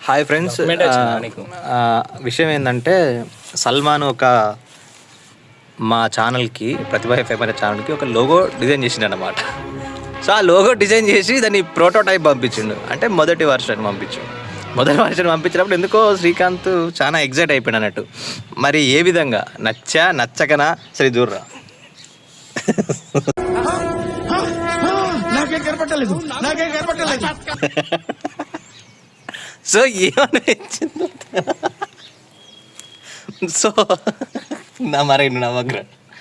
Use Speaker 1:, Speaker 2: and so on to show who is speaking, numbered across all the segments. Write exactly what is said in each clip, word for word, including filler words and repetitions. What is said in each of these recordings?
Speaker 1: Hi friends, విషయం ఏంటంటే సల్మాన్ ఒక మా ఛానల్కి ప్రతిభా ఎఫ్ఎం అనే ఛానల్కి ఒక లోగో డిజైన్ చేసిండు అన్నమాట. సో ఆ లోగో డిజైన్ చేసి దాన్ని ప్రోటోటైప్ పంపించిండు, అంటే మొదటి వర్షన్ పంపించిండు. మొదటి వర్షన్ పంపించినప్పుడు ఎందుకో శ్రీకాంత్ చాలా ఎగ్జైట్ అయిపోయాడు అన్నట్టు. మరి ఏ విధంగా నచ్చా నచ్చకనా సరే చూడరా. సో ఏమనిపించింది సో నా మరే నమ్మగ్ర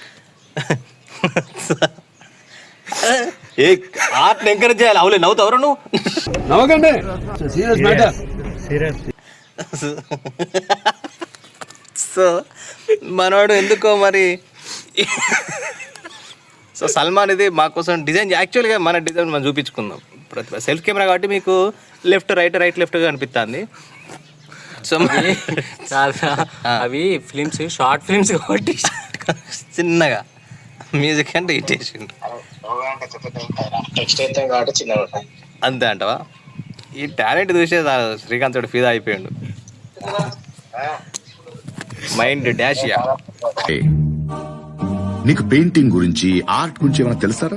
Speaker 1: ఏ ఆర్ట్ ఎంకరేజ్ చేయాలి. అవులే నవ్వుతావరా నువ్వు?
Speaker 2: నవ్వకండి.
Speaker 1: సో మనవాడు ఎందుకో మరి సో సల్మాన్ ఇది మా కోసం డిజైన్, యాక్చువల్గా మన డిజైన్ మనం చూపించుకుందాం. ప్రతిభ సెల్ఫ్ కెమెరా కాబట్టి మీకు లెఫ్ట్ రైట్ రైట్ లెఫ్ట్గా అనిపిస్తుంది. సో
Speaker 3: చాలా అవి ఫిలిమ్స్ షార్ట్ ఫిలిమ్స్ కాబట్టి
Speaker 1: చిన్నగా మ్యూజిక్ అంటే ఇట్టేసిండు అంతే అంటవా? ఈ టాలెంట్ చూసే శ్రీకాంత్ తోడు ఫీదా అయిపోయాడు. Mind dash.
Speaker 4: నీకు పెయింటింగ్ గురించి ఆర్ట్ గురించి ఏమైనా తెలుసారా?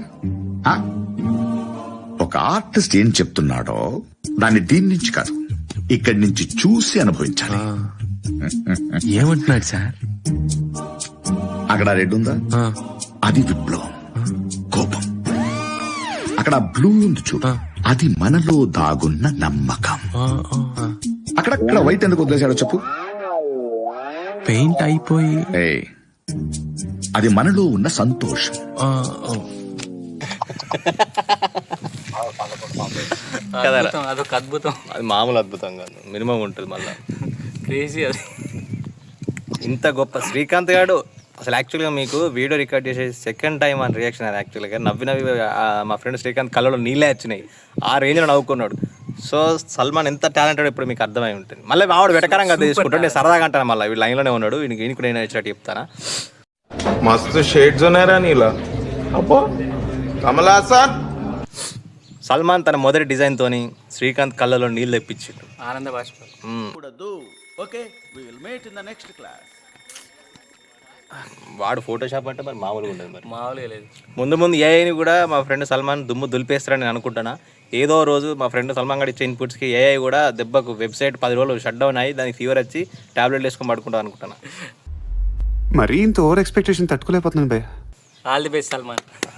Speaker 4: ఒక ఆర్టిస్ట్ ఏం చెప్తున్నాడో దాన్ని దీని నుంచి కాదు, ఇక్కడి నుంచి చూసి అనుభవించాలి.
Speaker 3: ఏమంటున్నాడు సార్?
Speaker 4: అక్కడ రెడ్ ఉందా, అది విప్లవం, కోపం. అక్కడ బ్లూ ఉంది చూడ, అది మనలో దాగున్న నమ్మకం. అక్కడక్కడ వైట్ ఎందుకు వదిలేశాడో చెప్పు.
Speaker 3: పెయింట్ అయిపోయి
Speaker 4: అది మనలో ఉన్న సంతోషం.
Speaker 3: అదొక అద్భుతం.
Speaker 1: అది మామూలు అద్భుతం కాదు, మినిమం ఉంటుంది. మళ్ళీ
Speaker 3: క్రేజీ అది.
Speaker 1: ఇంత గొప్ప శ్రీకాంత్ గారు అసలు యాక్చువల్గా మీకు వీడియో రికార్డ్ చేసే సెకండ్ టైం అని రియాక్షన్ అది. యాక్చువల్గా నవ్వి నవ్వి మా ఫ్రెండ్ శ్రీకాంత్ కళ్ళలో నీళ్ళే వచ్చినాయి, ఆ రేంజ్లో నవ్వుకున్నాడు. సో సల్మాన్ ఎంత టాలెంటెడ్ ఇప్పుడు మీకు అర్థమై ఉంటుంది. మళ్ళీ ఆవిడ వెటకరంగా తీసుకుంటాడు, నేను సరదాగా అంటాను. మళ్ళీ వీళ్ళు లైన్లోనే ఉన్నాడు, వీనికి ఈయనకు నేను ఇచ్చినట్టు చెప్తానా.
Speaker 5: మస్తు షేడ్స్ ఉన్నారా నీలా అబ్బో కమల్ హాసన్.
Speaker 1: సల్మాన్ తన మొదటి డిజైన్ తోని శ్రీకాంత్ కళ్ళలో నీళ్ళు తెప్పించిండు.
Speaker 3: ఆనంద బాష్పాలు.
Speaker 1: వాడు ఫోటోషాప్ అంటే మరి మామూలుగా ఉండదు. మరి
Speaker 3: మామూలుగా లేదు.
Speaker 1: ముందు ముందు ఏఐని కూడా మా ఫ్రెండ్ సల్మాన్ దుమ్ము దులిపేస్తారని నేను అనుకుంటున్నా. ఏదో రోజు మా ఫ్రెండ్ సల్మాన్ గడి ఇచ్చే ఇన్పుట్స్కి ఏఐ కూడా దెబ్బకు వెబ్సైట్ పది రోజులు షట్ డౌన్ అయ్యి దానికి ఫీవర్ వచ్చి టాబ్లెట్లు వేసుకొని పడుకుంటాను అనుకుంటున్నా.
Speaker 2: మరీ ఇంత ఓవర్ ఎక్స్పెక్టేషన్ తట్టుకోలేకపోతున్నాను భయ్య.
Speaker 3: All the best Salman.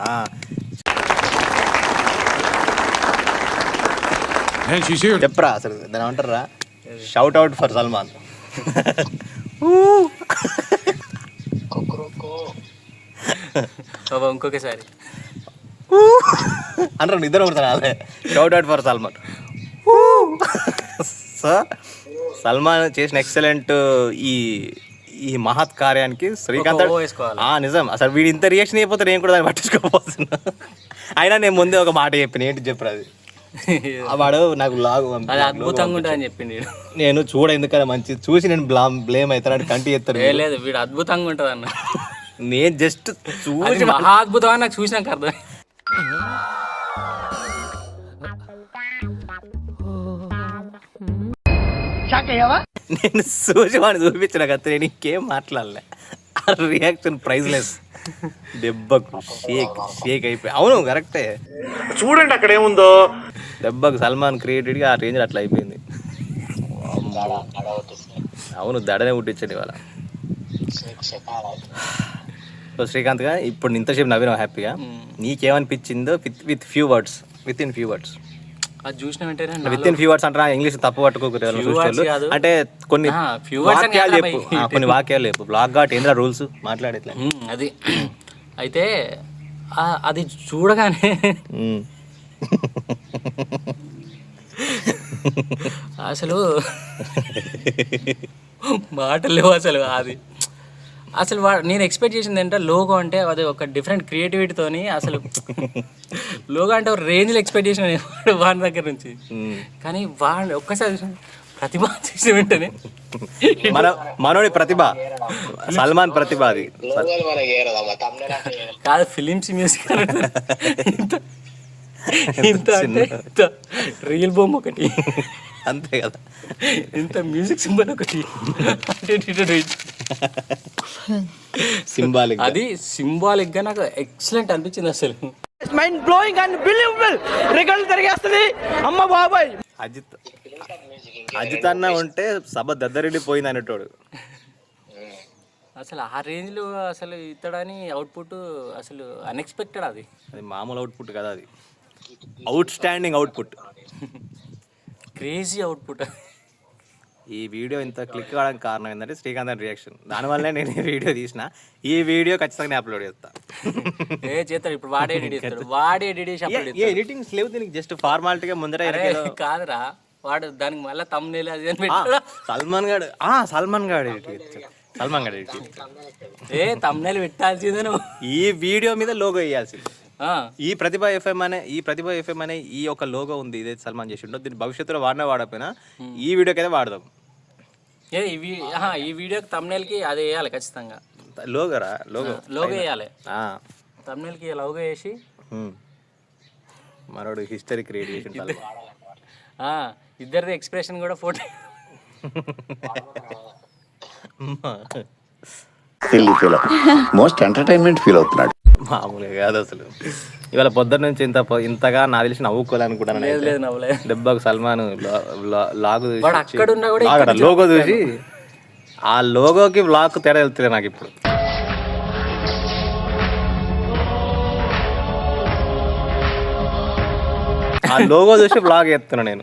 Speaker 1: చెప్పరా అసలు దాని ఏమంటారా, షౌట్ అవుట్ ఫర్ సల్మాన్.
Speaker 3: ఇంకొకసారి
Speaker 1: అంటారు నిద్ర కొడతాను. అదే shout out for Salman. So Salman చేసిన ఎక్సలెంట్ ఈ ఈ మహత్ కార్యానికి శ్రీకాంత్ నిజం. అసలు వీడు ఇంత రియాక్షన్ అయిపోతే నేను కూడా దాన్ని పట్టించుకోకపోతున్నా. అయినా నేను ముందే ఒక మాట చెప్పిన, ఏంటి చెప్పరు అది. వాడు నాకు లాగు
Speaker 3: అద్భుతంగా ఉంటుందని చెప్పింది.
Speaker 1: నేను చూడ ఎందుకన్నా మంచి చూసి నేను బ్లామ్ బ్లేమ్ అవుతాను కంటి ఎత్తారు.
Speaker 3: లేదు వీడు అద్భుతంగా ఉంటుంది అన్న.
Speaker 1: నేను జస్ట్ చూసి
Speaker 3: మహా అద్భుతం అని నాకు చూసినాక అర్థం.
Speaker 1: నేను చూసి వాడిని చూపించిన కదా, నేను ఇంకేం మాట్లాడలే. ఆ రియాక్షన్ ప్రైజ్లెస్. దెబ్బకు షేక్ షేక్ అయిపోయి. అవును కరెక్టే,
Speaker 5: చూడండి అక్కడ ఏముందో.
Speaker 1: దెబ్బకు సల్మాన్ క్రియేటెడ్గా ఆ రేంజ్ అట్లా అయిపోయింది. అవును దడనే పుట్టించండి ఇవాళ. సో శ్రీకాంత్ గా ఇప్పుడు ఇంతసేపు నవ్వినావు హ్యాపీగా. నీకేమనిపించిందో with with few words, within few words.
Speaker 3: అది చూసిన వెంటనే
Speaker 1: విత్ ఇన్ ఫ్యూ వర్డ్స్ అంటారా? ఇంగ్లీష్ తప్పు పట్టుకోకూడదు అంటే కొన్ని వాక్యాలు చెప్పు, కొన్ని వాక్యాలు చెప్పు. బ్లాక్ ఘాట్ ఏంద్రా రూల్స్ మాట్లాడేట్లే
Speaker 3: అది. అయితే అది చూడగానే అసలు మాటలు లేవు అసలు. అది అసలు వా నేను ఎక్స్పెక్ట్ చేసింది ఏంటంటే లోగో అంటే అది ఒక డిఫరెంట్ క్రియేటివిటీతోని, అసలు లోగో అంటే ఒక రేంజ్లో ఎక్స్పెక్ట్ చేసిన వాడి దగ్గర నుంచి. కానీ వాడిని ఒక్కసారి ప్రతిభ చేసిన వెంటనే
Speaker 1: మన మనోడి ప్రతిభ, సల్మాన్ ప్రతిభ అది
Speaker 3: కాదు. ఫిలిమ్స్ మ్యూజిక్ ఇంత అంటే ఇంత రియల్ బొమ్మ ఒకటి,
Speaker 1: అంతే కదా.
Speaker 3: ఇంత మ్యూజిక్ సింబల్ ఒకటి,
Speaker 1: సింబాలిక్.
Speaker 3: అది సింబాలిక్ గా నాకు ఎక్సలెంట్ అనిపించింది అసలు.
Speaker 6: మైండ్ బ్లోయింగ్ అండ్ బిలీవబుల్ రికార్డులు తిరిగేస్తుంది అమ్మ బాబాయ్.
Speaker 1: అజిత్ అజిత్ అన్న ఉంటే సభ దద్దరిల్లిపోయింది అనేటోడు.
Speaker 3: అసలు ఆ రేంజ్ లో అసలు ఇతడని అవుట్పుట్ అసలు అన్ఎక్స్పెక్టెడ్. అది
Speaker 1: అది మామూలు అవుట్పుట్ కదా, అది outstanding output,
Speaker 3: crazy output.
Speaker 1: ఈ వీడియో ఇంత క్లిక్ కావడానికి కారణం ఏంటంటే శ్రీకాంత్ అని రియాక్షన్. దానివల్లే నేను ఈ వీడియో తీసిన. ఈ వీడియో ఖచ్చితంగా అప్లోడ్ చేస్తా.
Speaker 3: ఏ చేస్తాడు ఇప్పుడు, వాడే ఎడిట్ చేస్తాడు, వాడే ఎడిట్ చేసి అప్లోడ్ చేస్తాడు.
Speaker 1: ఎడిటింగ్స్ లేవు దీనికి, జస్ట్ ఫార్మాలిటీగా ముందర
Speaker 3: కాదురా, వాడు దానికి మళ్ళీ తమ్మునేలు అది అని పెట్టాడు.
Speaker 1: సల్మాన్ గాడు సల్మాన్ గాడు ఎడిట్ చేస్తాడు, సల్మాన్ గాడు ఎడిట్ చేస్తాడు.
Speaker 3: ఏ తమ్మునేలు పెట్టాల్సిందే నువ్వు.
Speaker 1: ఈ వీడియో మీద లోగో వేయాల్సింది. ఈ ప్రతిభ ఎఫ్ఎం అనే ఈ ప్రతిభ ఎఫ్ఎం అనే ఈ ఒక లోగో ఉంది, ఇదే సల్మాన్ చేసి ఉండవు. దీన్ని భవిష్యత్తులో వాడినా వాడకపోయినా ఈ వీడియోకి అయితే వాడదాం.
Speaker 3: ఏ ఈ ఈ వీడియోకి తమ్మునేల్కి అది వేయాలి ఖచ్చితంగా.
Speaker 1: లోగోరా, లోగో
Speaker 3: లోగో వేయాలి. తమ్మునేల్కి లోగో వేసి
Speaker 1: మరోడు హిస్టరీ క్రియేట్ చేసి
Speaker 3: ఇద్దరిది ఎక్స్ప్రెషన్ కూడా ఫోటో.
Speaker 4: మోస్ట్ ఎంటర్టైన్మెంట్ ఫీల్ అవుతున్నాడు.
Speaker 1: మామూలుగా కాదు అసలు. ఇవాళ పొద్దున్న నుంచి ఇంత ఇంతగా నా తెలిసి నవ్వుకోవాలనుకుంటాను.
Speaker 3: లేదు లేదు నవ్వలేదు.
Speaker 1: దెబ్బకు సల్మాన్ లాగు
Speaker 3: అక్కడున్నా కూడా
Speaker 1: లోగో చూసి ఆ లోగోకి బ్లాక్ తేడా వెళ్తుంది నాకు ఇప్పుడు. ఆ లోగో చూసి బ్లాగ్ ఎత్తున్నా నేను.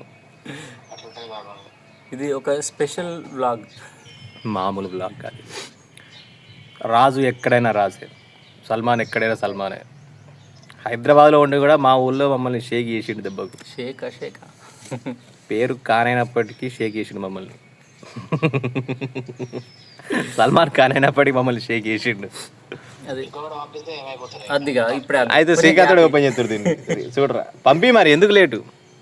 Speaker 3: ఇది ఒక స్పెషల్ బ్లాగ్,
Speaker 1: మామూలు బ్లాగ్ కాదు. రాజు ఎక్కడైనా రాజే, సల్మాన్ ఎక్కడైనా సల్మానే. హైదరాబాద్లో ఉండి కూడా మా ఊళ్ళో మమ్మల్ని షేక్ చేసిండు దెబ్బకు.
Speaker 3: షేక్ షేక్
Speaker 1: పేరు కానైనప్పటికీ షేక్ చేసిండు మమ్మల్ని. సల్మాన్ ఖాన్ అయినప్పటికీ మమ్మల్ని షేక్ చేసిండు.
Speaker 3: అది అదిగా ఇప్పుడే
Speaker 1: అయితే శ్రీకాంత్ ఓపెన్ చేస్తారు దీన్ని. చూడరా పంపి, మరి ఎందుకు లేటు?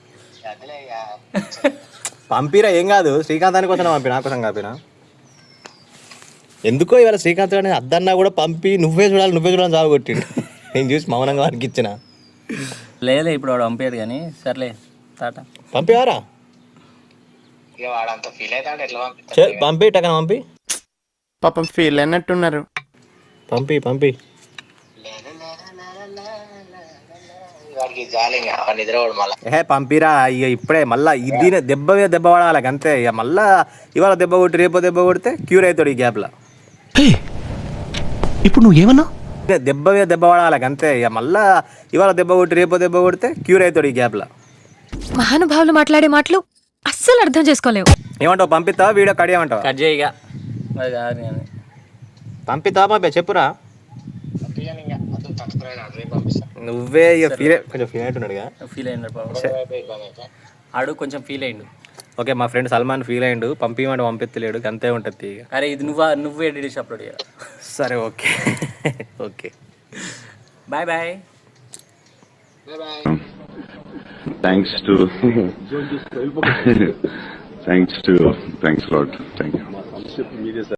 Speaker 1: పంపిరా, ఏం కాదు. శ్రీకాంత్ అని కోసం పంపి, నా కోసం కాపినా. ఎందుకో ఇవాళ శ్రీకాంత్ అని అద్దన్నా కూడా పంపి నువ్వే చూడాలి నువ్వే చూడాలని జాబ్ కొట్టిండు. నేను చూసి మౌనంగా వానికి ఇచ్చిన.
Speaker 3: లేలే ఇప్పుడు వాడు పంపాడు కానీ సర్లే టాటా.
Speaker 1: పంపివారా పంపి టకన పంపి.
Speaker 6: పాపం ఫీల్ అయినట్టున్నారు.
Speaker 1: పంపి పంపి ఏ పంపిరా. ఇక ఇప్పుడే మళ్ళా ఇది దెబ్బ మీద దెబ్బ పడాలి అంతే. ఇక మళ్ళా ఇవాళ దెబ్బ కొట్టి రేపో దెబ్బ కొడితే క్యూర్ అవుతాడు ఈ గ్యాప్లో.
Speaker 6: ఇప్పుడు నువ్వు ఏమన్నా
Speaker 1: దెబ్బ మీద దెబ్బ పడాలి అంతే. ఇక మళ్ళా ఇవాళ దెబ్బ కొట్టి రేపో దెబ్బ కొడితే క్యూర్ అవుతాడు ఈ గ్యాప్లో.
Speaker 7: మహానుభావులు మాట్లాడే మాటలు అస్సలు అర్థం చేసుకోలేవు.
Speaker 1: ఏమంటావు, పంపిస్తావా వీడియో కడియమంటావా?
Speaker 3: కట్ చేయగా అది కాదు నేను
Speaker 1: పంపిస్తావా పంపి చెప్పురా. నువ్వే ఇక ఫీల్ కొంచెం ఫీల్ అయినట్టున్నాడుగా.
Speaker 3: ఫీల్ అయ్యిండు బాబు, ఆడు కొంచెం ఫీల్ అయ్యిండు.
Speaker 1: ఓకే, మా ఫ్రెండ్ సల్మాన్ ఫీల్ అయ్యిండు. పంపించమంటే పంపిస్తలేడు, అంతే ఉంటుంది ఇక.
Speaker 3: అరే ఇది నువ్వు నువ్వు ఎడిట్ చేసి అప్లోడ్ చేయాలి.
Speaker 1: సరే okay okay
Speaker 3: bye bye.
Speaker 8: Thanks to thanks to thanks a lot. Thank you.